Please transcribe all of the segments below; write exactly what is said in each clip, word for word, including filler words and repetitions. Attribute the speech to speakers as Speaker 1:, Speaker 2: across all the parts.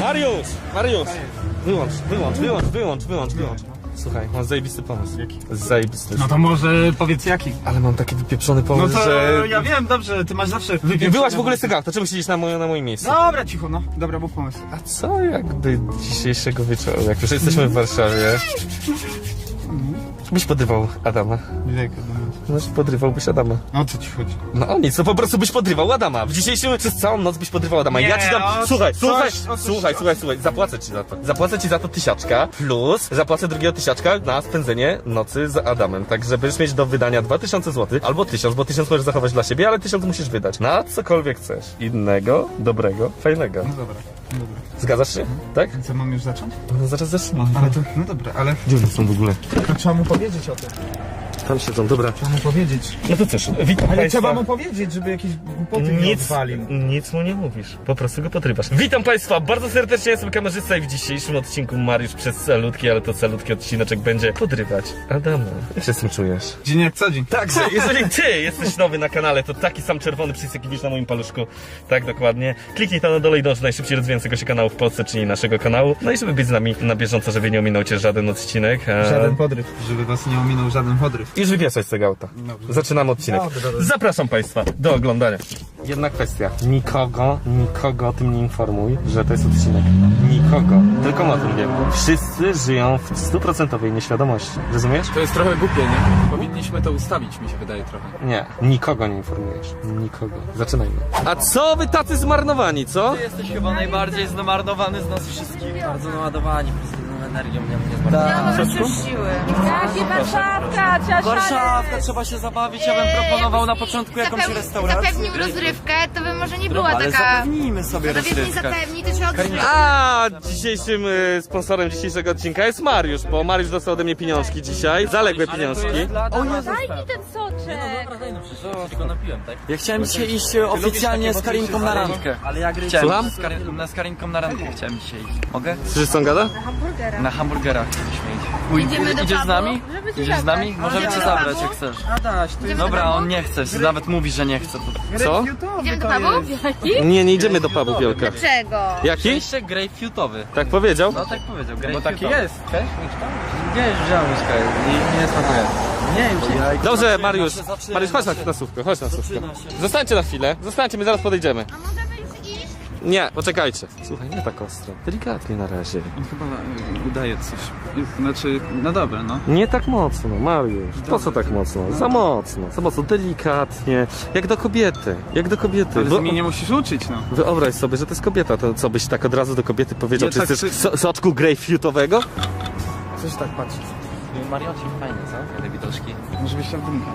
Speaker 1: Mariusz! Mariusz! Wyłącz, wyłącz, wyłącz, wyłącz, wyłącz, wyłącz. Słuchaj, mam zajebisty pomysł.
Speaker 2: Jaki?
Speaker 1: Zajebisty.
Speaker 2: No to może powiedz jaki.
Speaker 1: Ale mam taki wypieprzony
Speaker 2: No
Speaker 1: pomysł,
Speaker 2: to
Speaker 1: że...
Speaker 2: ja wiem, dobrze, ty masz zawsze wypieprzone.
Speaker 1: Wyłaź w ogóle z tego auta, czemu siedzisz na, moje, na moim miejscu?
Speaker 2: Dobra, cicho, no. Dobra, był pomysł.
Speaker 1: A co jakby dzisiejszego wieczoru, jak już jesteśmy w Warszawie, byś podrywał Adama?
Speaker 2: Jak
Speaker 1: No, podrywałbyś Adama.
Speaker 2: No o co ci chodzi?
Speaker 1: No o nic, no po prostu byś podrywał Adama. W dzisiejszym, przez całą noc byś podrywał Adama.
Speaker 2: Nie,
Speaker 1: ja ci dam,
Speaker 2: o
Speaker 1: słuchaj,
Speaker 2: coś,
Speaker 1: słuchaj,
Speaker 2: o coś,
Speaker 1: słuchaj,
Speaker 2: o
Speaker 1: słuchaj, słuchaj, zapłacę ci za to. Zapłacę ci za to tysiaczka, plus zapłacę drugiego tysiaczka na spędzenie nocy z Adamem. Tak, że będziesz mieć do wydania dwa tysiące złotych, albo tysiąc, bo tysiąc możesz zachować dla siebie, ale tysiąc musisz wydać na cokolwiek chcesz. Innego, dobrego, fajnego.
Speaker 2: No dobra, no dobra.
Speaker 1: Zgadzasz się? Tak?
Speaker 2: Co, mam już zacząć?
Speaker 1: No zaraz zacznę.
Speaker 2: Ale to, no dobra, ale...
Speaker 1: Gdzie one są w ogóle?
Speaker 2: To trzeba mu powiedzieć o tym.
Speaker 1: Tam siedzą, dobra.
Speaker 2: Trzeba mu powiedzieć.
Speaker 1: No to cóż, witam
Speaker 2: Ale
Speaker 1: państwa.
Speaker 2: trzeba mu powiedzieć, żeby jakieś głupoty nie
Speaker 1: Nic,
Speaker 2: odwalił.
Speaker 1: nic mu nie mówisz, po prostu go podrywasz. Witam państwa bardzo serdecznie, jestem kamerzysta i w dzisiejszym odcinku Mariusz przez calutki, ale to calutki odcineczek będzie podrywać Adama. Jak się z tym czujesz?
Speaker 2: Dzień jak co dzień.
Speaker 1: Także, jeżeli ty jesteś nowy na kanale, to taki sam czerwony przycisk, jaki widzisz na moim paluszku, tak dokładnie. Kliknij tam na dole i dąż do najszybciej rozwijającego się kanału w Polsce, czyli naszego kanału. No i żeby być z nami na bieżąco, żeby nie ominął cię żaden odcinek. A...
Speaker 2: Żaden podryw, żeby was nie ominął żaden podryw.
Speaker 1: Już wywieszać z tego auta.
Speaker 2: Dobrze.
Speaker 1: Zaczynamy odcinek.
Speaker 2: Dobrze, dobrze.
Speaker 1: Zapraszam państwa do oglądania. Jedna kwestia. Nikogo, nikogo o tym nie informuj, że to jest odcinek. Nikogo. Tylko my o tym wiemy. Wszyscy żyją w stuprocentowej nieświadomości. Rozumiesz?
Speaker 3: To jest trochę głupie, nie? Powinniśmy to ustawić, mi się wydaje trochę.
Speaker 1: Nie. Nikogo nie informujesz. Nikogo. Zaczynajmy. A co wy tacy zmarnowani, co?
Speaker 4: Ty jesteś chyba najbardziej zmarnowany z nas wszystkich. Bardzo naładowani pozytywną energią, mnie nie zmarnowany.
Speaker 5: Ja mam już siły. Jaki Warszawka, trzeba
Speaker 4: Warszawka, trzeba się zabawić, ja bym proponował na początku jakąś
Speaker 5: Zapeł-
Speaker 4: restaurację.
Speaker 5: Zapewnił rozrywkę, to by może nie była
Speaker 4: Ale
Speaker 5: taka...
Speaker 4: zapewnijmy sobie
Speaker 5: To jeśli
Speaker 4: rozrywkę.
Speaker 5: zapewni, to trzeba odżyć.
Speaker 1: A dzisiejszym y, sponsorem dzisiejszego odcinka jest Mariusz, bo Mariusz dostał ode mnie pieniążki dzisiaj. Zaległe pieniążki.
Speaker 4: O Jezu,
Speaker 5: Daj mi ten soczek.
Speaker 4: tylko napiłem, tak? Ja chciałem dzisiaj iść e, oficjalnie z Karinką na randkę. Ale ja chciałem
Speaker 1: Słucham?
Speaker 4: iść z, Karin na, z Karinką na randkę chciałem dzisiaj iść. Mogę?
Speaker 1: Słyszysz co on gada?
Speaker 4: Na hamburgerach chcieliśmy iść. Uj,
Speaker 5: Idziemy do
Speaker 4: idziesz z
Speaker 5: pubu,
Speaker 4: nami?
Speaker 5: żeby cię
Speaker 4: Idziesz z nami?
Speaker 5: zabrać.
Speaker 4: Możemy cię
Speaker 5: Idziemy do
Speaker 4: zabrać
Speaker 5: pubu?
Speaker 4: jak chcesz.
Speaker 2: Adaś, to jest...
Speaker 4: Dobra,
Speaker 5: do
Speaker 4: on
Speaker 5: pubu?
Speaker 4: nie chce, nawet mówi, że nie chce. To...
Speaker 1: Co?
Speaker 5: Idziemy do pubu?
Speaker 1: Nie, nie idziemy do pubu, Wielka.
Speaker 5: Dlaczego?
Speaker 1: Jaki?
Speaker 4: Jeszcze grapefruitowy.
Speaker 1: Tak powiedział?
Speaker 4: No tak powiedział,
Speaker 2: Bo
Speaker 4: grapefruitowy.
Speaker 2: taki jest. Cześć,
Speaker 4: Gdzie już wziąłem łyżkę i nie smakuje. Nie, już
Speaker 1: Dobrze, Mariusz.
Speaker 4: Zaczyna się,
Speaker 1: Mariusz, chodź na,
Speaker 4: zaczyna
Speaker 1: na słówkę, chodź na słówkę.
Speaker 4: Zaczyna się.
Speaker 1: Zostańcie na chwilę, zostańcie, my zaraz podejdziemy.
Speaker 5: A możemy już iść?
Speaker 1: Nie, poczekajcie. Słuchaj, nie tak ostro. Delikatnie na razie.
Speaker 2: On chyba y, udaje coś. Znaczy, no dobra, no.
Speaker 1: Nie tak mocno, Mariusz. Po co tak mocno? Za mocno, za mocno, delikatnie. Jak do kobiety, jak do kobiety.
Speaker 2: Ale
Speaker 1: Bo-
Speaker 2: ty mnie nie musisz uczyć, no.
Speaker 1: Wyobraź sobie, że to jest kobieta, to co byś tak od razu do kobiety powiedział?
Speaker 2: Nie,
Speaker 1: Czy
Speaker 2: tak
Speaker 1: chcesz
Speaker 2: czy-
Speaker 1: so, soczku grapefruitowego?
Speaker 2: Coś tak patrzysz.
Speaker 4: Marioci fajne, co? Te widoczki.
Speaker 2: Może byś tam dymka.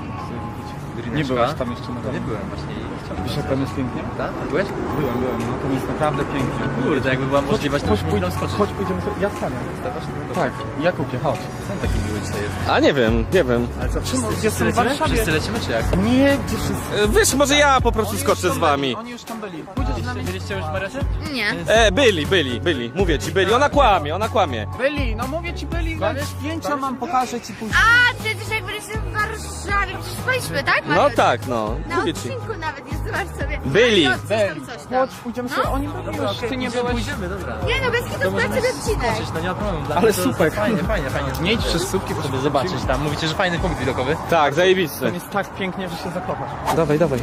Speaker 2: Nie byłeś tam jeszcze na
Speaker 4: Nie
Speaker 2: dole.
Speaker 4: byłem właśnie.
Speaker 2: Wiesz jak tam jest pięknie?
Speaker 4: Tak? Byłeś?
Speaker 2: Byłem, byłem, no to jest naprawdę pięknie.
Speaker 4: Kurde, jakby była możliwość, to
Speaker 2: Chodź,
Speaker 4: byśmy
Speaker 2: pójdę,
Speaker 4: tam skoczyć.
Speaker 2: chodź, pójdziemy sobie. Ja wstanę. Tak, ja kupię, chodź.
Speaker 4: Ten taki miły dzisiaj jest.
Speaker 1: A nie wiem, nie wiem.
Speaker 4: Ale co, wszyscy,
Speaker 2: Jestem
Speaker 4: wszyscy
Speaker 2: w
Speaker 4: lecimy?
Speaker 2: Warszawie.
Speaker 4: Wszyscy lecimy czy jak?
Speaker 2: Nie, gdzie wszyscy?
Speaker 1: E, Wiesz, może ja po prostu skoczę z wami.
Speaker 2: Oni już tam byli. Pójdziesz z nami?
Speaker 4: Byliście już w Mariocie?
Speaker 5: Nie.
Speaker 1: E, byli, byli, byli. Mówię ci, byli. Ona kłamie, ona kłamie.
Speaker 2: Byli, no mówię ci byli. Zdjęcia mam, pokażę ci później.
Speaker 5: A, przecież jak byliśmy w Warszawie, przecież byliśmy, tak?
Speaker 1: No
Speaker 5: Mariusz?
Speaker 1: tak, no.
Speaker 5: Na
Speaker 1: Mówię ci.
Speaker 5: odcinku nawet jest, zobacz sobie.
Speaker 1: Byli.
Speaker 5: No, coś tam, coś tam.
Speaker 2: Chodź, pójdziemy sobie. Oni byli już. Ty nie byłeś.
Speaker 4: Pójdziemy, dobra.
Speaker 5: Nie no, bez kitu sprawdź sobie odcinek.
Speaker 4: Skoczyć, no nie ma problemu. Dla
Speaker 2: Ale
Speaker 4: mnie to
Speaker 2: super.
Speaker 4: Fajnie, fajnie, fajnie.
Speaker 2: Nie idź przez słupki,
Speaker 4: Żeby zobaczyć tam. Mówicie, że fajny punkt widokowy.
Speaker 1: Tak, zajebisty.
Speaker 2: Tam jest tak pięknie, że się zakochasz.
Speaker 1: Dawaj, dawaj.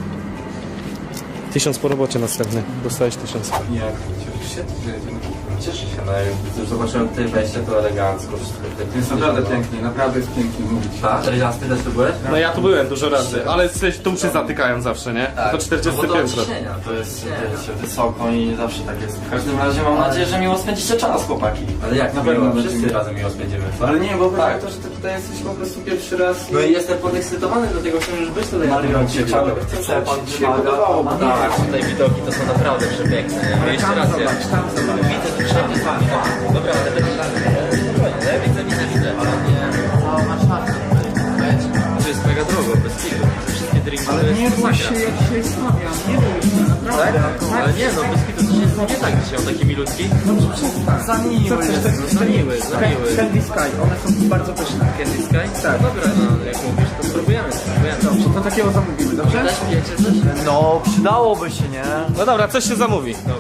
Speaker 1: Tysiąc po robocie następny. Dostałeś tysiąc.
Speaker 6: Nie, cieszę się. Cieszę się, no jak już zobaczyłem tutaj wejście, to elegancko wszystko.
Speaker 2: Jest naprawdę pięknie, naprawdę jest pięknie mówić.
Speaker 6: Tak? czterdziesty też tu byłeś?
Speaker 1: No ja tu byłem dużo razy, ale tu się zatykają zawsze, nie? To czterdzieste
Speaker 6: no bo to
Speaker 1: piętro.
Speaker 6: ciśnienia, to jest wiecie, wysoko i zawsze tak jest. W każdym razie mam nadzieję, że miło spędzicie czas, chłopaki. Ale jak na pewno wszyscy razem miło spędzimy. Ale nie, bo tak, to, że ty tutaj jesteś po prostu pierwszy raz. No i jestem podekscytowany, dlatego chcę już być tutaj. Mario, chciałem, chcę, pan wymaga.
Speaker 4: Tak, tutaj widoki to są naprawdę przepiękne. Nie? Jeszcze raz ja. Widzę tu wszędzie z wami. Dobra, ale to ja widzę, widzę, widzę, ale nie. Cała Warszawa. To jest mega drogo, bez kitu. Wszystkie drinki to jest
Speaker 2: Nie bój się,
Speaker 4: masakra.
Speaker 2: jak się stawiam. Nie bój się,
Speaker 4: Tak?
Speaker 2: naprawdę.
Speaker 4: Ale nie no, bez kitu to jest nie tak dzisiaj, on taki milutki.
Speaker 2: Dobrze, przestań.
Speaker 4: Za miły
Speaker 2: Co chcesz,
Speaker 4: jest,
Speaker 2: tak-
Speaker 4: no, za miły, za miły.
Speaker 2: Candy Sky, one są bardzo pyszne.
Speaker 4: Candy Sky?
Speaker 2: Tak.
Speaker 4: No dobra, no jak mówisz, to spróbujemy, spróbujemy.
Speaker 2: Dobrze, to takiego zamówimy, dobrze?
Speaker 4: Też pijecie coś? No, przydałoby się, nie?
Speaker 1: No dobra, coś się zamówi.
Speaker 4: Dobra, okej.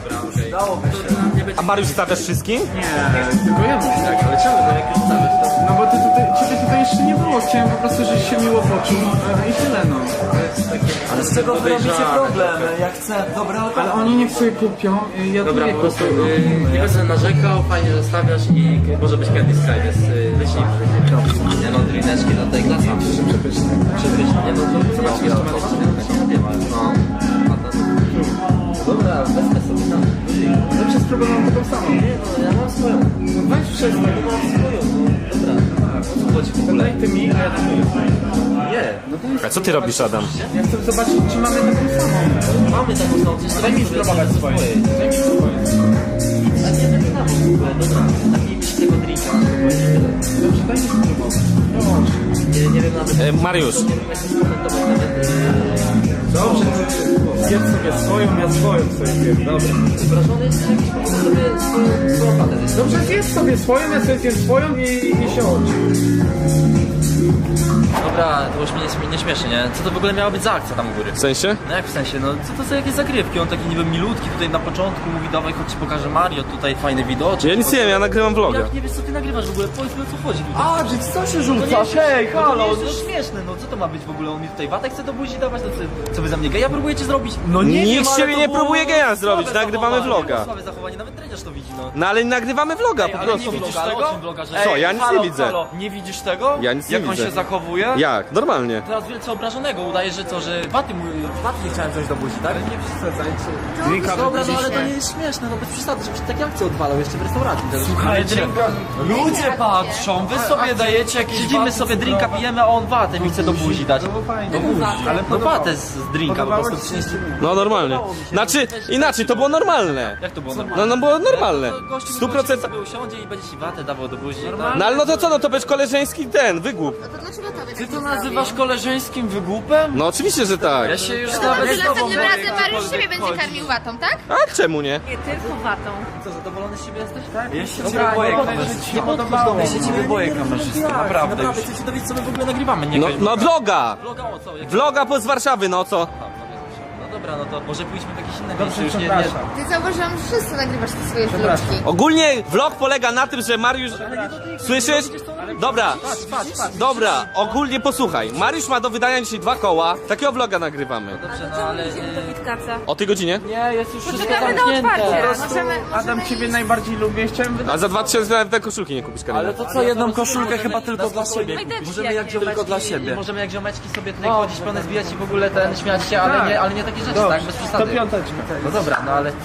Speaker 1: A Mariusz stawiasz wszystkim?
Speaker 2: Nie, tylko ja mówię tak.
Speaker 4: Ale czemu, no jak już stawiasz to...
Speaker 2: No bo ty tutaj, ciebie tutaj jeszcze nie było, chciałem po prostu, żebyś się miło poczuł i tyle no.
Speaker 6: Ale z czego wy robicie problem? Ja chcę dobre alkohol.
Speaker 2: Ale oni niech sobie kupią, y, ja
Speaker 4: Dobra,
Speaker 2: tu
Speaker 4: po
Speaker 2: nie
Speaker 4: prostu
Speaker 2: kupię.
Speaker 4: yy, nie będę narzekał, fajnie, że stawiasz i może być Candy Sky, więc yy, wyślij. Nie no, drineczki do tej klasy. Przepyszne. Przepyszne. Nie no, to zobaczcie, jeszcze ma no. Dobra, wezmę sobie tam.
Speaker 2: Zawsze spróbowałem taką samą.
Speaker 4: Nie no, ja mam swoją.
Speaker 2: No weź przestań.
Speaker 4: Ja mam swoją, no. Dobra, o co chodzi w ogóle?
Speaker 2: Daj ty mi, a ja tam
Speaker 4: Nie.
Speaker 2: No to jest...
Speaker 1: A co ty robisz, Adam?
Speaker 2: Ja chcę zobaczyć, czy mamy taką samą.
Speaker 4: Mamy taką samą, przecież
Speaker 2: Daj mi spróbować swoje. Daj mi spróbować.
Speaker 4: A nie wiem, tam w ogóle, dobra. Napijmy się tego drinka.
Speaker 2: Dobrze, daj mi spróbować.
Speaker 4: Nie, nie wiem nawet...
Speaker 1: E, Mariusz.
Speaker 4: Nie wiem, jak to skomentować nawet...
Speaker 2: Dobrze, zjedz sobie swoją, ja swoją sobie zjem. Dobra.
Speaker 4: Wrażony jest jakiś po prostu sobie swoją, swoją patę.
Speaker 2: Dobrze, zjedz sobie swoją, ja sobie zjem swoją i, i się odci.
Speaker 4: Dobra, to już mnie nie, nie śmieszy, nie? Co to w ogóle miała być za akcja tam u góry?
Speaker 1: W sensie?
Speaker 4: No jak w sensie, no co to za jakieś zagrywki? On taki niby milutki tutaj na początku mówi, dawaj chodź ci pokażę Mario, tutaj fajne widoczki.
Speaker 1: Ja nic nie wiem, ja nagrywam vloga.
Speaker 4: Jak nie wiesz co ty nagrywasz w ogóle? Powiedz mi o co chodzi tutaj.
Speaker 2: A, że co się
Speaker 4: No
Speaker 2: rzuca?
Speaker 4: nie,
Speaker 2: Hej,
Speaker 4: no to
Speaker 2: halo!
Speaker 4: nie jest to śmieszne, no co to ma być w ogóle? On mi tutaj watę chce do buzi dawać, no co, co wy za mnie geja próbujecie zrobić? No
Speaker 1: Nikt
Speaker 4: wiem,
Speaker 1: z
Speaker 4: ale
Speaker 1: ciebie
Speaker 4: to
Speaker 1: nie
Speaker 4: było
Speaker 1: próbuje geja zrobić,
Speaker 4: słabe
Speaker 1: nagrywamy
Speaker 4: zachowanie,
Speaker 1: vloga.
Speaker 4: Słabe zachowanie, nawet Dredziarz to widzi, no.
Speaker 1: No ale nagrywamy vloga
Speaker 4: Ej,
Speaker 1: po
Speaker 4: ale
Speaker 1: prostu.
Speaker 4: nie widzisz
Speaker 6: vloga,
Speaker 4: tego?
Speaker 6: ale o czym vloga, że-
Speaker 4: Ej,
Speaker 1: Co, ja nic
Speaker 4: halo,
Speaker 1: nie widzę.
Speaker 4: Halo, nie widzisz tego?
Speaker 1: Ja nic nie
Speaker 4: Jak
Speaker 1: widzę.
Speaker 4: on się zachowuje?
Speaker 1: Jak? Normalnie.
Speaker 4: Teraz wielce obrażonego udaje, że co, że waty, mu- waty nie chciałem wziąć do buzi, tak?
Speaker 2: Nie przesadzajcie.
Speaker 5: Drinka
Speaker 4: Dobra, no ale to nie jest śmieszne, no bez przesady, żebyś tak akcję odwalał jeszcze w restauracji. Słuchajcie, ludzie patrzą, wy sobie dajecie jakieś siedzimy sobie drinka, pijemy, a on watę mi chce do buzi dać.
Speaker 2: No fajnie.
Speaker 4: Ale no watę z, z drinka po prostu przynieść.
Speaker 1: No normalnie. Znaczy, inaczej, to było normalne.
Speaker 4: Jak to było normalne?
Speaker 1: No, no było normalne.
Speaker 4: Gościu
Speaker 1: Stu procent.
Speaker 4: sobie usiądzie i będzie ci watę dawał do buzi.
Speaker 1: No ale no to co, no to będzie koleżeński ten, wygłup.
Speaker 5: No to dlaczego tobie
Speaker 4: Ty
Speaker 5: tak
Speaker 4: to
Speaker 5: nie
Speaker 4: nazywasz koleżeńskim wygłupem?
Speaker 1: No oczywiście, że tak.
Speaker 4: Ja się już
Speaker 5: zrobił? No to
Speaker 4: nawet
Speaker 5: może następnym razem Mariusz siebie będzie karmił watą, tak?
Speaker 1: A czemu nie?
Speaker 5: Nie tylko watą.
Speaker 4: Co, zadowolony z siebie jesteś?
Speaker 2: Tak?
Speaker 4: Ja się
Speaker 2: Dobra,
Speaker 4: ciebie boję
Speaker 2: nie
Speaker 4: kamerzysty. Nie
Speaker 2: podobało
Speaker 4: podchodź do mnie, ja
Speaker 2: mi
Speaker 4: się
Speaker 2: się.
Speaker 4: ciebie boję kamerzysty. Naprawdę, naprawdę. Chcę się dowiedzieć, co my w ogóle nagrywamy, nie
Speaker 1: No,
Speaker 4: kaj-
Speaker 1: no vloga!
Speaker 4: Vloga o co? Jak...
Speaker 1: Vloga po z Warszawy, no co?
Speaker 4: No dobra, no to może pójdźmy w jakieś inne
Speaker 2: Dobrze,
Speaker 4: miejsce. Już nie, nie...
Speaker 2: przepraszam.
Speaker 5: Ty zauważyłam, że wszyscy nagrywasz te swoje vlogki.
Speaker 1: Ogólnie vlog polega na tym, że Mariusz... Słyszysz? Dobra, dobra, ogólnie posłuchaj. Mariusz ma do wydania dzisiaj dwa koła. Takiego vloga nagrywamy.
Speaker 4: Dobrze, no ale...
Speaker 1: O tej godzinie?
Speaker 4: Nie, jest już wszystko
Speaker 5: Poczekamy na
Speaker 4: zamknięte.
Speaker 5: otwarcie.
Speaker 2: Po prostu
Speaker 5: Możemy,
Speaker 2: Adam,
Speaker 5: możemy
Speaker 2: ciebie
Speaker 5: iść.
Speaker 2: najbardziej lubię. Chciałem wydać.
Speaker 1: A za dwa tysiące nawet te koszulki nie kupisz, Karina.
Speaker 4: Ale to co, jedną koszulkę chyba tylko dla siebie.
Speaker 5: Majteczki
Speaker 4: Możemy jak
Speaker 5: jakieś.
Speaker 4: ziomeczki, tylko dla siebie. Możemy jak ziomeczki sobie tutaj chodzić, pełne zbijać i w ogóle ten, śmiać się, ale
Speaker 2: Tak.
Speaker 4: nie, ale nie takie rzeczy,
Speaker 2: Dobrze,
Speaker 4: tak? Bez
Speaker 2: to
Speaker 4: przesady.
Speaker 2: piąteczka.
Speaker 4: No dobra, no ale...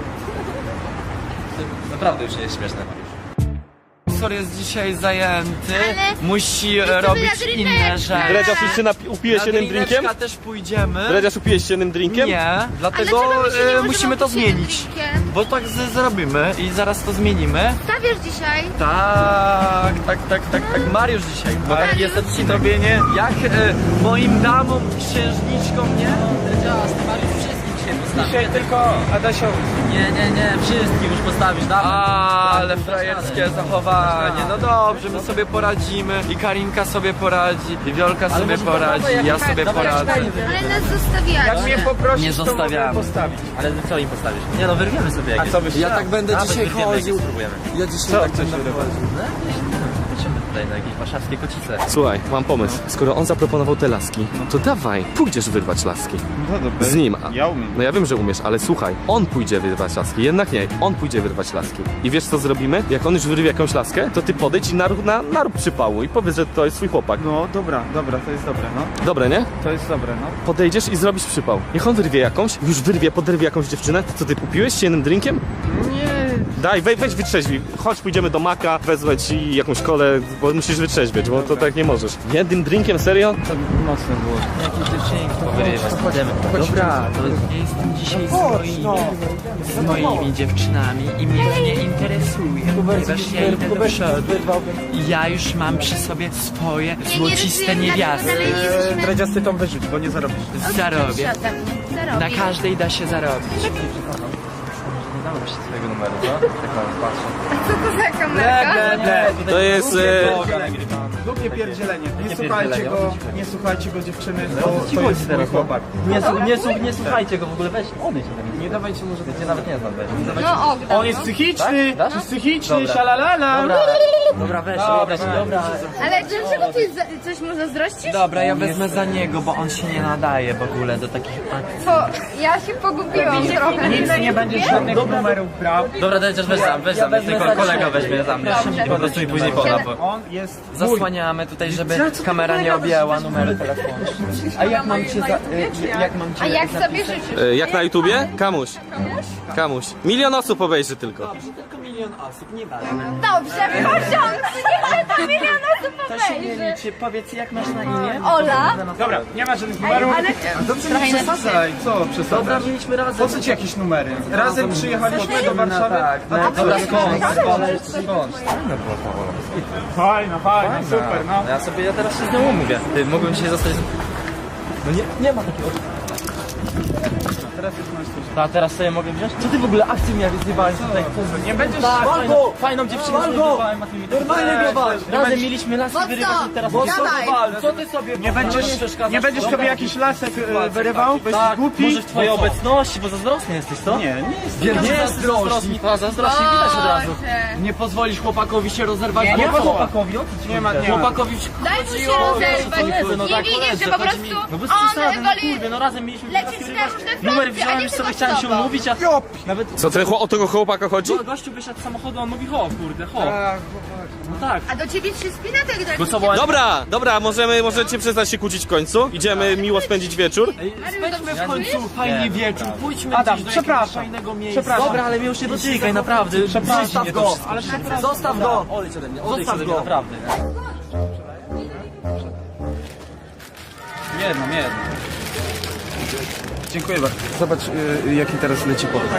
Speaker 4: Naprawdę już nie jest śmieszne, Mariusz. Sorry, jest dzisiaj zajęty,
Speaker 5: Ale
Speaker 4: musi
Speaker 5: jest to
Speaker 4: robić
Speaker 5: dla
Speaker 4: inne
Speaker 5: drineczka.
Speaker 4: rzeczy.
Speaker 1: Dredziarz, już się napi- upijesz
Speaker 4: Na
Speaker 1: jednym drinkiem?
Speaker 4: drineczka też pójdziemy.
Speaker 1: Dredziarz, upijesz się jednym drinkiem?
Speaker 4: Nie,
Speaker 5: Ale
Speaker 4: dlatego
Speaker 5: dlaczego my się nie
Speaker 4: e,
Speaker 5: możemy
Speaker 4: musimy to
Speaker 5: opuścić jednym
Speaker 4: zmienić.
Speaker 5: drinkiem?
Speaker 4: Bo tak z- zrobimy i zaraz to zmienimy.
Speaker 5: Stawiasz dzisiaj?
Speaker 4: Tak, tak, tak, tak, tak. Mariusz dzisiaj. Bo tak
Speaker 5: Mariusz?
Speaker 4: jest odcinek. Nie? Jak e, moim damom, księżniczkom, nie? Teraz Mariusz wszystkim dzisiaj postawi.
Speaker 2: Dzisiaj tylko Adasiowi.
Speaker 4: Nie, nie, nie, wszystkim już postawisz, dawaj. Ale frajerskie zachowanie. No dobrze, my sobie poradzimy. I Karinka sobie poradzi, i Wiolka sobie poradzi, i ja sobie poradzę.
Speaker 5: Ale nas zostawiacie.
Speaker 2: Jak mnie poprosisz,
Speaker 4: Nie
Speaker 2: to mogę
Speaker 4: zostawiamy.
Speaker 2: postawić.
Speaker 4: Ale co im postawisz? Nie no, wyrwiemy sobie jakieś.
Speaker 2: co byś
Speaker 6: Ja tak będę
Speaker 4: Nawet
Speaker 6: dzisiaj
Speaker 4: wyrwiemy, jakieś
Speaker 6: chodził.
Speaker 4: spróbujemy.
Speaker 6: Ja dzisiaj
Speaker 2: Co
Speaker 6: tak
Speaker 2: chcesz
Speaker 6: będę
Speaker 2: wyrywać?
Speaker 4: No jakieś, patrzymy tutaj na jakieś warszawskie kocice.
Speaker 1: Słuchaj, mam pomysł. Skoro on zaproponował te laski, to dawaj, pójdziesz wyrwać laski.
Speaker 2: No dobra.
Speaker 1: Z nim. A-
Speaker 2: Ja umiem.
Speaker 1: No ja wiem, że umiesz, ale słuchaj, on pójdzie wyrwać laski, jednak nie, on pójdzie wyrwać laski. I wiesz co zrobimy? Jak on już wyrwie jakąś laskę, to ty podejdź i narób, na, narób przypału i powiedz, że to jest twój chłopak.
Speaker 2: No dobra, dobra, to jest dobre, no.
Speaker 1: Dobre, nie?
Speaker 2: To jest dobre, no.
Speaker 1: Podejdziesz i zrobisz przypał. Niech on wyrwie jakąś, już wyrwie, podrwie jakąś dziewczynę. Co ty kupiłeś się jednym drinkiem?
Speaker 2: Nie.
Speaker 1: Daj, weź, weź wytrzeźwij. Chodź, pójdziemy do Maka, wezmę ci jakąś kolę, bo musisz wytrzeźwieć, bo to tak nie możesz. Jednym drinkiem, serio?
Speaker 2: To mocno było.
Speaker 4: Jakieś dziewczynki powyrywać, idziemy. Dobra, to ja jestem dzisiaj z moimi, z moimi dziewczynami i mnie to nie interesuje, ponieważ ja idę do przodu i ja już mam przy sobie swoje
Speaker 5: Nie, nie
Speaker 4: złociste
Speaker 5: ryzykujemy,
Speaker 4: niewiasty.
Speaker 5: dlatego dalej nie jesteśmy.
Speaker 2: Dredzias, ty tą wyrzuć, bo nie zarobisz.
Speaker 4: Zarobię.
Speaker 5: Siadam.
Speaker 4: Na
Speaker 5: Zarobię.
Speaker 4: każdej da się zarobić.
Speaker 6: się swojego numeru, co? Tak mam patrzę.
Speaker 5: Co to za kamerka?
Speaker 1: To jest...
Speaker 2: Głupie pierdzielenie. Nie
Speaker 6: Jakie
Speaker 2: słuchajcie
Speaker 6: pierdzielenie?
Speaker 2: go, nie słuchajcie go dziewczyny,
Speaker 6: No,
Speaker 2: to,
Speaker 6: o co ci
Speaker 2: to
Speaker 6: chodzi
Speaker 2: jest
Speaker 6: teraz,
Speaker 2: mój chłopak.
Speaker 6: Nie, su- nie, su- nie słuchajcie go w ogóle, weź, odejdź ode mnie. Nie dawajcie mu, że ja cię nawet nie znam, weź. Nie dawajcie.
Speaker 5: No oddam.
Speaker 2: On jest psychiczny,
Speaker 6: Tak?
Speaker 2: jest psychiczny,
Speaker 6: Dobra.
Speaker 2: szalalala.
Speaker 6: Dobra, dobra, weź, odejdź, dobra.
Speaker 5: Ale dlaczego ty za- coś mu zazdrościsz?
Speaker 6: Dobra, ja wezmę za niego, bo on się nie nadaje w ogóle do takich akcji.
Speaker 5: To ja się pogubiłam trochę.
Speaker 2: Nic nie będziesz żadnych numerów brał.
Speaker 6: Dobra, dajcie, weź sam, weź sam, tylko kolega weźmie za mnie. Po prostu mi później poda, bo
Speaker 2: On jest mój.
Speaker 6: zasłaniamy tutaj, żeby kamera nie objęła numeru telefonu. A jak mam cię za... y, jak mam cię
Speaker 5: A jak
Speaker 6: za-
Speaker 5: sobie życzysz?
Speaker 1: E, Jak na YouTubie? Kamuś. Kamuś. Milion osób obejrzy tylko.
Speaker 6: Tylko milion osób, nie ważne.
Speaker 5: Dobrze, poziom! Niech to milion osób
Speaker 6: To się nie
Speaker 5: obejrzy.
Speaker 6: liczy, powiedz jak masz na imię?
Speaker 5: Ola?
Speaker 2: Dobra, nie ma żadnych numerów.
Speaker 5: Ale
Speaker 2: A dobrze,
Speaker 5: trochę
Speaker 2: nie
Speaker 5: inaczej.
Speaker 2: przesadzaj, co
Speaker 6: Dobra,
Speaker 2: przesadzasz?
Speaker 6: mieliśmy razem.
Speaker 2: Po co ci jakieś numery? Razem przyjechaliśmy do Warszawy,
Speaker 6: Tak,
Speaker 2: a
Speaker 6: no,
Speaker 2: ty
Speaker 6: dobra,
Speaker 2: co?
Speaker 6: skąd? Skąd?
Speaker 2: Fajna, fajna, super, no.
Speaker 6: Ja sobie, ja teraz się z nią umówię. Ty, mógłbym dzisiaj zostać... No nie, nie ma takiego...
Speaker 2: Teraz jest nasz coś.
Speaker 6: A teraz sobie mogę wziąć? Co ty w ogóle akcję mi jak zjebałeś tutaj?
Speaker 2: Nie będziesz...
Speaker 6: Tak, fajną, fajną dziewczynę sobie zjebałem, a ty mi... Normalnie go walcz! Razem mieliśmy laski wyrywać i teraz...
Speaker 5: Dawaj.
Speaker 6: Co ty sobie...
Speaker 2: Nie będziesz, nie będziesz sobie jakiś lasek e, wyrywał, bo jesteś
Speaker 6: Tak,
Speaker 2: głupi.
Speaker 6: może w twojej obecności, bo zazdrosny jesteś, co?
Speaker 2: Nie, nie jest.
Speaker 6: Nie jest zazdrosny. A zazdrośnie widać od razu.
Speaker 5: Boże.
Speaker 6: Nie pozwolisz chłopakowi się rozerwać.
Speaker 2: Nie,
Speaker 6: Nie
Speaker 2: nie
Speaker 6: ma
Speaker 2: ma.
Speaker 6: chłopakowi, o co ci
Speaker 2: Nie ma,
Speaker 6: chodzi?
Speaker 2: nie ma.
Speaker 6: Chłopakowi
Speaker 5: Daj mu
Speaker 6: chodzi
Speaker 5: się
Speaker 6: o-
Speaker 5: rozerwać.
Speaker 6: koledzy, no
Speaker 5: Nie
Speaker 6: tak,
Speaker 5: widzisz,
Speaker 6: koledzy,
Speaker 5: że po
Speaker 6: chodzi
Speaker 5: prostu
Speaker 6: mi- No bez
Speaker 5: on
Speaker 6: przesady, no
Speaker 5: woli
Speaker 6: kurde, no razem mieliśmy
Speaker 5: lecieć
Speaker 6: laski
Speaker 5: na-
Speaker 6: wyrywać.
Speaker 5: na froncie,
Speaker 6: Numer
Speaker 5: a
Speaker 6: wziąłem,
Speaker 5: nie
Speaker 6: już
Speaker 5: tylko
Speaker 6: sobie
Speaker 5: z
Speaker 6: chciałem się
Speaker 5: tobą.
Speaker 6: umówić, a nawet...
Speaker 1: Co, ten, chło- o tego chłopaka chodzi?
Speaker 6: No, gościu wysiadł z samochodu, on mówi ho, kurde, ho. No tak.
Speaker 5: A do ciebie trzy spina tak tak.
Speaker 6: Bo co, bo...
Speaker 1: Dobra, dobra, możemy, możecie przestać się kłócić w końcu. Idziemy miło spędzić wieczór.
Speaker 6: Spędźmy w końcu fajny wieczór, pójdźmy
Speaker 2: Adam,
Speaker 6: gdzieś do
Speaker 2: przepraszam.
Speaker 6: jakiegoś fajnego miejsca.
Speaker 2: Przepraszam.
Speaker 6: Dobra, ale mnie już nie dotykaj, naprawdę. Zostaw go, ale zostaw go. Odejdź ode mnie, odejdź ode mnie, naprawdę.
Speaker 2: Jedno, nie jedno. Dziękuję bardzo. Zobacz, y, jaki teraz leci podróż.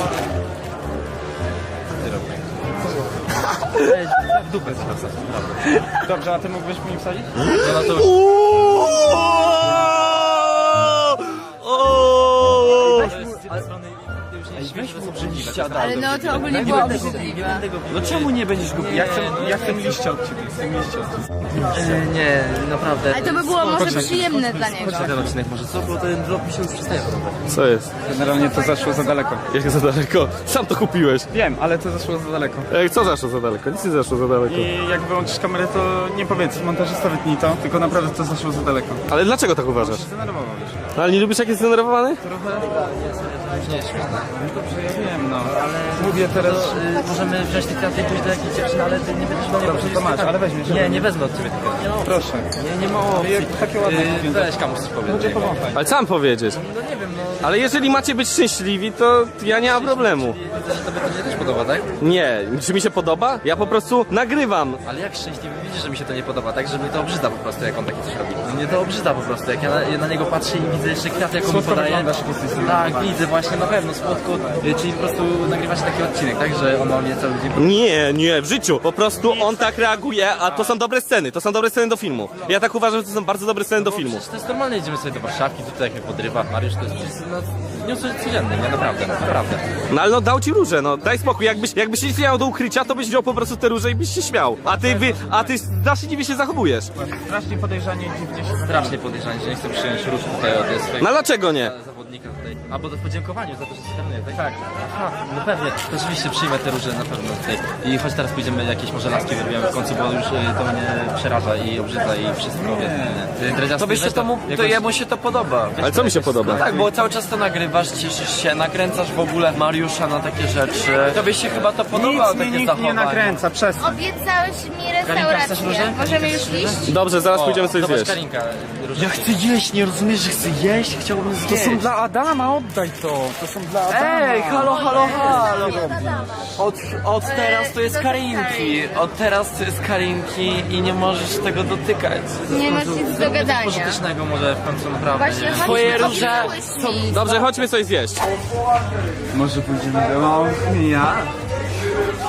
Speaker 6: W dupę wsadzę.
Speaker 2: Dobrze, a ty mógłbyś mi wsadzić?
Speaker 6: No to z jednej strony już nie śmiesz, że są obrzydliwe.
Speaker 5: Ale no to ogólnie było obrzydliwe.
Speaker 6: No czemu nie będziesz głupi?
Speaker 2: Ja chcę, ja chcę liście od ciebie, chcę liście od ciebie.
Speaker 6: E, Nie, naprawdę.
Speaker 5: Ale to by było może przyjemne dla niego.
Speaker 6: Chodź na ten odcinek może, co? Bo ten vlog mi się już przestaje podobać.
Speaker 1: Co jest?
Speaker 2: Generalnie to zaszło za daleko.
Speaker 1: Jak za daleko? Sam to kupiłeś.
Speaker 2: Wiem, ale to zaszło za daleko.
Speaker 1: Ej, co zaszło za daleko? Nic nie zaszło za daleko.
Speaker 2: I jak wyłączysz kamerę, to nie powiedz, montażysta wytnij to, tylko naprawdę to zaszło za daleko.
Speaker 1: Ale dlaczego tak uważasz?
Speaker 2: Zdenerwował już.
Speaker 1: No, ale nie lubisz jak jest zdenerwowany?
Speaker 6: Nie jest śmieszne.
Speaker 2: Dobrze, ja wiem, no, ale mówię teraz...
Speaker 6: To, y, możemy wziąć te kwiaty i pójść do jakiejś dziewczyny, ale ty nie będziesz do mnie
Speaker 2: Dobrze, to masz, ale weźmiesz.
Speaker 6: Nie, nie wezmę od ciebie tych kwiatów. Nie, no,
Speaker 2: Proszę.
Speaker 6: nie, nie ma opcji.
Speaker 2: Jak takie ładne
Speaker 6: Y,
Speaker 2: kupię.
Speaker 6: Weź kamuś coś powiedz.
Speaker 1: Ale sam powiedzieć.
Speaker 6: No nie wiem, no...
Speaker 1: Ale jeżeli macie być szczęśliwi, to ja nie mam problemu.
Speaker 6: Widzę, że tobie to nie też podoba, tak?
Speaker 1: Nie, czy mi się podoba? Ja po prostu nagrywam.
Speaker 6: Ale jak szczęśliwy widzisz, że mi się to nie podoba, tak? Że mi to obrzydza po prostu, jak on takie coś robi. Mnie to obrzydza po prostu, jak ja na, ja na niego patrzę i widzę jeszcze kwiat, jak on mi
Speaker 2: Słodko
Speaker 6: podaje.
Speaker 2: wyglądasz, jak jesteś z
Speaker 6: Tak, widzę właśnie, na pewno, słodko. Y, Czyli po prostu nagrywa się taki odcinek, tak? Że on ma mnie cały dzień...
Speaker 1: Nie, nie, w życiu. Po prostu on tak reaguje, a to są dobre sceny. To są dobre sceny do filmu. Ja tak uważam, że to są bardzo dobre sceny do filmu.
Speaker 6: Przecież to jest normalne, jedziemy sobie do Warszawki, tutaj jak mnie podrywa Mariusz, to jest przecież, no, nie codzienny, nie? Naprawdę, naprawdę.
Speaker 1: No ale no dał ci róże, no daj spokój. Jakbyś, jakbyś nic nie miał do ukrycia, to byś wziął po prostu te róże i byś się śmiał. A ty, wy, a ty strasznie dziwnie się zachowujesz.
Speaker 2: Strasznie podejrzanie dziwnie się...
Speaker 6: Strasznie podejrzanie, że nie chcę przyjąć róż tutaj od swojego
Speaker 1: No dlaczego nie?
Speaker 6: zawodnika tutaj. Albo do podziękowaniu za to, że stronuje, tak? Tak. Aha, no pewnie, to oczywiście przyjmę te róże na pewno tutaj. I choć teraz pójdziemy jakieś może laski wyrwiemy w końcu, bo już y, to mnie przeraża i obrzydza i wszystko, wie.
Speaker 7: To by się to, mu, to jemu się to podoba.
Speaker 1: Ale co mi się podoba?
Speaker 7: Tak, bo cały czas to nagrywasz, cieszysz się, nakręcasz w ogóle Mariusza na takie rzeczy. Tobie się chyba to podoba,
Speaker 2: Nic
Speaker 7: takie
Speaker 2: mnie nikt nie
Speaker 7: zachowanie.
Speaker 2: nakręca, przestań.
Speaker 5: Obiecałeś mi
Speaker 6: Karinka, chcesz
Speaker 5: restaurację.
Speaker 6: róże?
Speaker 5: Możemy już iść?
Speaker 1: Dobrze, zaraz pójdziemy coś
Speaker 6: Zobacz,
Speaker 1: zjeść.
Speaker 6: Karinka, róże.
Speaker 7: Ja chcę jeść, nie rozumiesz, że chcę jeść? Chciałbym
Speaker 2: To
Speaker 7: zjeść.
Speaker 2: są dla Adama, oddaj to. To są dla Adama.
Speaker 7: Ej, halo, halo, halo. Od, od teraz to jest Karinki. Od teraz to jest Karinki i nie możesz tego dotykać.
Speaker 5: Nie masz nic do gadania.
Speaker 6: Pożytecznego może w końcu naprawdę.
Speaker 5: Właśnie,
Speaker 6: nie?
Speaker 7: Twoje
Speaker 5: chodźmy,
Speaker 7: róże
Speaker 5: obiecałyśmy.
Speaker 1: Dobrze, chodźmy coś zjeść.
Speaker 2: Może pójdziemy do ja?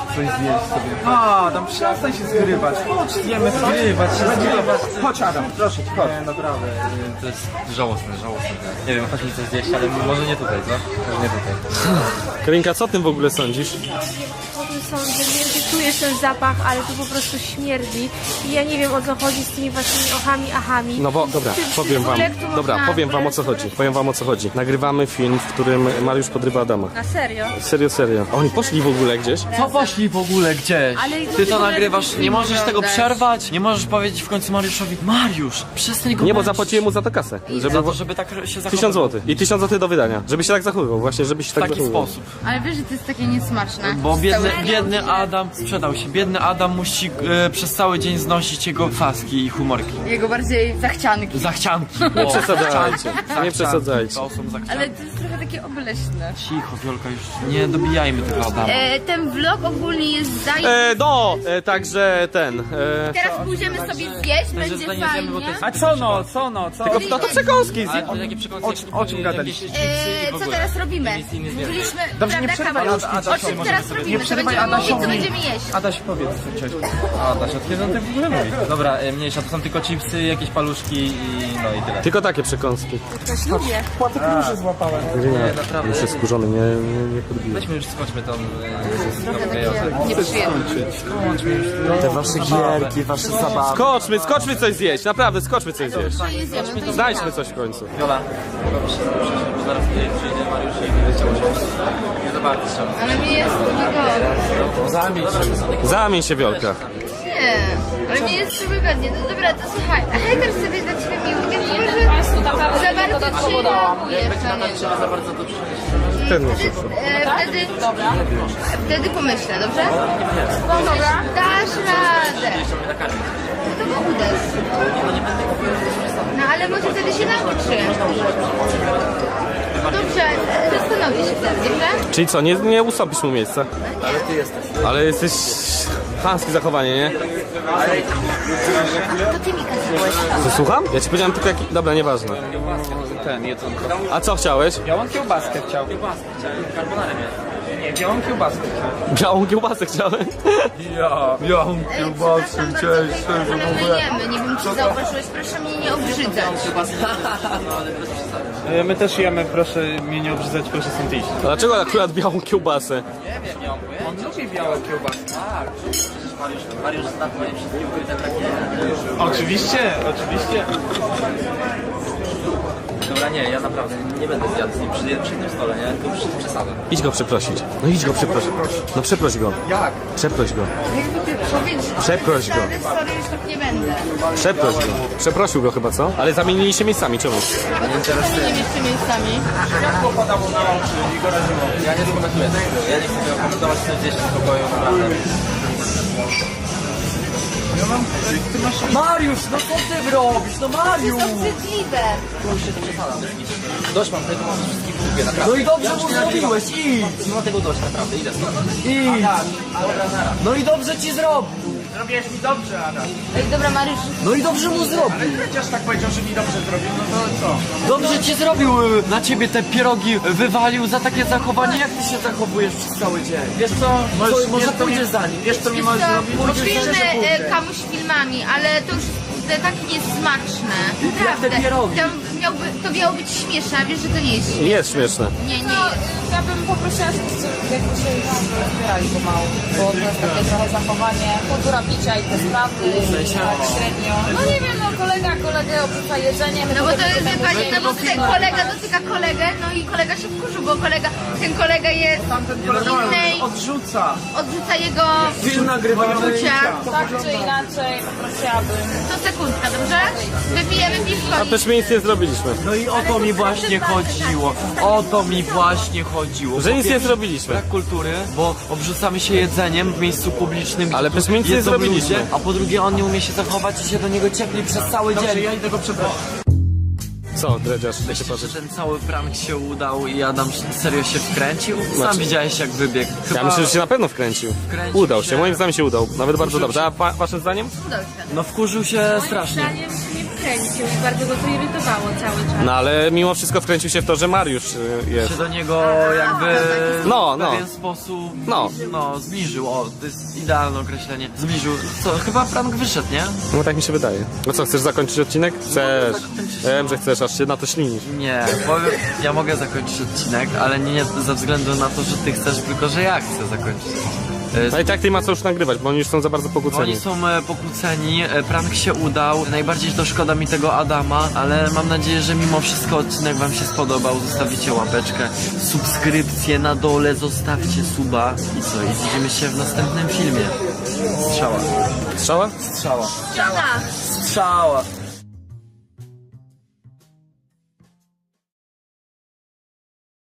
Speaker 3: coś zjeść sobie.
Speaker 2: A, tam przestań się zgrywać. Chodź, zjemy coś.
Speaker 3: Zgrywać się, zgrywać.
Speaker 2: Chodź Adam, proszę cię, chodź.
Speaker 3: Nie, naprawdę, y, to jest żałosne, żałosne. Nie wiem, chodź mi coś zjeść, ale może nie tutaj, co? Może nie tutaj.
Speaker 1: Karinka, co o tym w ogóle sądzisz?
Speaker 5: Po tym sądzie, nie wiem, czy czujesz ten zapach, ale to po prostu śmierdzi. I ja nie wiem, o co chodzi z tymi waszymi ochami, ahami.
Speaker 1: No bo, dobra,
Speaker 5: Czy- czy
Speaker 1: powiem
Speaker 5: w
Speaker 1: wam,
Speaker 5: ogóle, jak tu
Speaker 1: dobra,
Speaker 5: można
Speaker 1: powiem wam o co chodzi, powiem wam o co chodzi. Nagrywamy film, w którym Mariusz podrywa Adama.
Speaker 5: Na serio?
Speaker 1: Serio, serio. Oni poszli w ogóle gdzieś?
Speaker 7: Co poszli w ogóle gdzieś?
Speaker 5: Ale
Speaker 7: Ty
Speaker 5: w
Speaker 7: to
Speaker 5: ogóle
Speaker 7: nagrywasz,
Speaker 5: film
Speaker 7: nie możesz tego
Speaker 5: oglądasz.
Speaker 7: przerwać? Nie możesz powiedzieć w końcu Mariuszowi, Mariusz, przestań go
Speaker 1: Nie, bo
Speaker 7: męczyć.
Speaker 1: zapłaciłem mu za to kasę. Żeby
Speaker 7: Za to, żeby tak się zachowywał.
Speaker 1: tysiąc złotych. I tysiąc złotych do wydania. Żeby się tak zachowywał, właśnie, żeby się
Speaker 7: W
Speaker 1: tak
Speaker 7: taki
Speaker 1: zachowywał.
Speaker 7: sposób.
Speaker 5: Ale wiesz, że to jest takie niesmaczne.
Speaker 7: Bo biedny,
Speaker 5: Cały-
Speaker 7: biedny Adam sprzedał się. Biedny Adam musi e, przez cały dzień znosić jego faski i humorki.
Speaker 5: Jego bardziej zachcianki.
Speaker 7: Zachcianki.
Speaker 1: Nie przesadzajcie, nie przesadzajcie.
Speaker 7: To są zachcianki.
Speaker 5: Ale to jest trochę takie obleśne.
Speaker 7: Cicho, Wiolka, już nie dobijajmy tego Adama.
Speaker 5: E, ten vlog ogólnie jest zaj...
Speaker 1: E, no, e, także ten. E,
Speaker 5: Teraz pójdziemy sobie zjeść, będzie
Speaker 7: że zajmiemy, bo to
Speaker 5: fajnie.
Speaker 7: jest-
Speaker 2: A co no, co no, co?
Speaker 1: tylko no to przekąski
Speaker 7: Ale
Speaker 1: zje.
Speaker 7: to takie przekąski,
Speaker 2: O- o czym gadaliście?
Speaker 5: E, co teraz robimy? Mówiliśmy,
Speaker 2: Dobrze, nie
Speaker 5: prawda,
Speaker 2: przerywaj
Speaker 5: kawał?
Speaker 2: Ad-
Speaker 5: O czym teraz robimy?
Speaker 2: Nie
Speaker 5: To
Speaker 2: przerywaj
Speaker 5: będziemy mówić, co
Speaker 2: Adasiowi.
Speaker 5: będziemy jeść.
Speaker 2: Adaś, powiedz coś.
Speaker 3: A, da się od kiedy on tak w ogóle mówi? Dobra, y, mniejsza, to są tylko chipsy, jakieś paluszki i no i tyle.
Speaker 1: Tylko takie przekąski.
Speaker 5: Coś lubię.
Speaker 2: Płatek róży złapałem.
Speaker 1: Nie,
Speaker 3: naprawdę.
Speaker 1: już jest skurzony, nie, nie, nie podbiję.
Speaker 3: Weźmy już, skończmy tą...
Speaker 5: Trochę
Speaker 3: Yy,
Speaker 5: takie nieprzyjemne.
Speaker 7: Te wasze gierki, wasze zabawy.
Speaker 1: Skoczmy, skoczmy coś zjeść, naprawdę, skoczmy coś zjeść.
Speaker 5: To jest jemy, to
Speaker 1: Znajdźmy
Speaker 5: jest
Speaker 1: coś w końcu.
Speaker 3: Wiola, mogłabyś się zaprosić, bo zaraz tutaj przyjdzie Mariusz i nie chciał się. Nie za bardzo chciał.
Speaker 5: Ale mi jest wygodnie.
Speaker 1: Zamień się, Wiolka.
Speaker 5: Nie, ale mi jest wygodnie. No dobra, to słuchaj, a hejter sobie dla ciebie miły, więc może za bardzo ci reagujesz na niego.
Speaker 3: Za bardzo to przyjść.
Speaker 1: Ten muszę.
Speaker 5: E, wtedy, wtedy pomyślę, dobrze? No dobra. Dasz radę.
Speaker 3: Chciał mnie nakarmić.
Speaker 5: To go uderz. No ale może wtedy się nauczy. Dobrze, e, zastanowię się wtedy, dobrze?
Speaker 1: Czyli co, nie, nie ustąpisz mu miejsca?
Speaker 3: Ale ty jesteś.
Speaker 1: Ale jesteś... Chamskie zachowanie, nie?
Speaker 5: To ty mi kazałeś.
Speaker 1: Co, słucham? Ja ci powiedziałem tylko jaki... Dobra, nieważne.
Speaker 2: Ten, jedzonko.
Speaker 1: A co chciałeś?
Speaker 2: Białą kiełbaskę chciał.
Speaker 3: Carbonarę miałem.
Speaker 2: Nie, białą kiełbaskę chciał.
Speaker 1: Białą kiełbasę chciałem.
Speaker 2: Ja, białą kiełbaskę chciałeś,
Speaker 5: Ale my jemy, nie wiem czy zauważyłeś, proszę mnie nie obrzydzać.
Speaker 2: E, My też jemy, proszę mnie nie obrzydzać, proszę stąd iść.
Speaker 1: A dlaczego akurat białą kiełbasę?
Speaker 2: On lubi białą kiełbaskę.
Speaker 3: Mariusz, Mariusz zna moje wszystkie ukryte takie.
Speaker 2: Oczywiście, oczywiście.
Speaker 3: Dobra, nie, ja naprawdę nie będę zjadł z nim przy, przy tym stole, nie? To już jest przesada.
Speaker 1: Idź go przeprosić. No idź go przeprosić. No przeproś go.
Speaker 2: Jak?
Speaker 1: Przeproś go.
Speaker 5: Jakby ty powiedzieć,
Speaker 1: Przeproś go.
Speaker 5: sorry, sorry, już tak nie będę.
Speaker 1: Przeproś go. Przeprosił go chyba, co? Ale zamienili się miejscami, czemu?
Speaker 5: Bo to czasami nie jeszcze miejscami.
Speaker 2: Światło padało na oczy i go raziło.
Speaker 3: Ja nie skomentuję tego. Ja nie chcę tego komentować, chcę gdzieś w spokoju, naprawdę.
Speaker 7: Mariusz, no co ty robisz? No Mariusz!
Speaker 5: Obrzydliwe.
Speaker 3: Dość mam tego, mam wszystkich w dupie, naprawdę.
Speaker 7: No i dobrze mu zrobiłeś, idź!
Speaker 3: Nie mam tego dość, naprawdę, idę stąd.
Speaker 7: Idź! No i dobrze ci zrobił!
Speaker 2: Zrobiłeś mi dobrze, Adam.
Speaker 5: Ej, dobra Mariusz,
Speaker 7: No i dobrze mu zrobił!
Speaker 2: Chociaż tak powiedział, że mi dobrze zrobił, no to co?
Speaker 7: Dobrze ci zrobił! y, Na ciebie te pierogi wywalił za takie zachowanie. Jak ty się zachowujesz przez cały dzień?
Speaker 2: Wiesz co?
Speaker 7: Co, może
Speaker 2: wiesz, co mi-
Speaker 7: pójdziesz za nim?
Speaker 2: Wiesz co mi
Speaker 5: wiesz
Speaker 2: możesz
Speaker 5: co,
Speaker 2: zrobić?
Speaker 5: poświęcmy e, kamuś filmami, ale to już jest tak niesmaczne. Naprawdę.
Speaker 7: te pierogi.
Speaker 5: To, miałby, to miało być śmieszne, a wiesz, że to nie jest śmieszne.
Speaker 1: Jest śmieszne.
Speaker 5: Nie, nie jest.
Speaker 8: Ja bym poprosiła, żebyście jakby się zbierali pomału, bo to jest takie trochę zachowanie, kultura picia i te sprawy, tak średnio. No nie wiem, no kolega kolegę obrzuca jedzeniem.
Speaker 5: No bo to jest, wie pani, no bo tutaj kolega dotyka kolegę, no i kolega się wkurzył, bo kolega, ten kolega jest innej,
Speaker 2: Odrzuca.
Speaker 5: odrzuca jego
Speaker 7: Film nagrywamy.
Speaker 5: uczucia.
Speaker 8: Tak czy inaczej poprosiłabym.
Speaker 5: To sekundka, dobrze? Wypijemy piwko.
Speaker 1: A też my nic nie zrobiliśmy.
Speaker 7: No i o to mi właśnie chodziło. O to mi właśnie chodziło.
Speaker 1: Że
Speaker 7: Po
Speaker 1: nic nie
Speaker 7: pierwsze,
Speaker 1: zrobiliśmy.
Speaker 7: Brak kultury, bo obrzucamy się jedzeniem w miejscu publicznym.
Speaker 1: Ale przecież my nic nie
Speaker 7: jedzą
Speaker 1: zrobiliśmy.
Speaker 7: ludzie, a po drugie on nie umie się zachować i się do niego ciepli przez cały dzień.
Speaker 2: Ja idę go przepraszam.
Speaker 1: Co, dredziarz? Jak się
Speaker 7: Myślisz, że
Speaker 1: patrzysz?
Speaker 7: ten cały prank się udał i Adam serio się wkręcił? Sam
Speaker 1: Znaczy-
Speaker 7: widziałeś jak wybiegł. Chyba...
Speaker 1: Ja myślę, że się na pewno wkręcił.
Speaker 7: Wkręcił
Speaker 1: Udał się,
Speaker 7: się.
Speaker 1: moim zdaniem się udał. Nawet bardzo dobrze. A wa waszym zdaniem?
Speaker 5: Dobrze.
Speaker 7: No wkurzył się strasznie.
Speaker 8: Zdaniem nie
Speaker 5: wkręcił i bardzo go to irytowało cały czas.
Speaker 1: No ale mimo wszystko wkręcił się w to, że Mariusz y, jest.
Speaker 7: Się do niego jakby
Speaker 1: No,
Speaker 7: w
Speaker 1: no.
Speaker 7: pewien sposób
Speaker 1: No.
Speaker 7: no, zbliżył. O, to jest idealne określenie. Zbliżył. Co, chyba prank wyszedł, nie?
Speaker 1: No tak mi się wydaje. No co, chcesz zakończyć odcinek? Chcesz. Wiem, że chcesz, aż się na to ślinisz.
Speaker 7: Nie, powiem, ja mogę zakończyć odcinek, ale nie, nie ze względu na to, że ty chcesz, tylko że ja chcę zakończyć odcinek. E,
Speaker 1: No i tak ty ma co już nagrywać, bo oni już są za bardzo pokłóceni.
Speaker 7: Oni są e, pokłóceni, e, prank się udał, najbardziej to szkoda mi tego Adama, ale mam nadzieję, że mimo wszystko odcinek wam się spodobał, zostawicie łapeczkę, subskrypcję na dole, zostawcie suba i co, i widzimy się w następnym filmie. Strzała.
Speaker 1: Strzała?
Speaker 7: Strzała.
Speaker 5: Strzała.
Speaker 7: Strzała.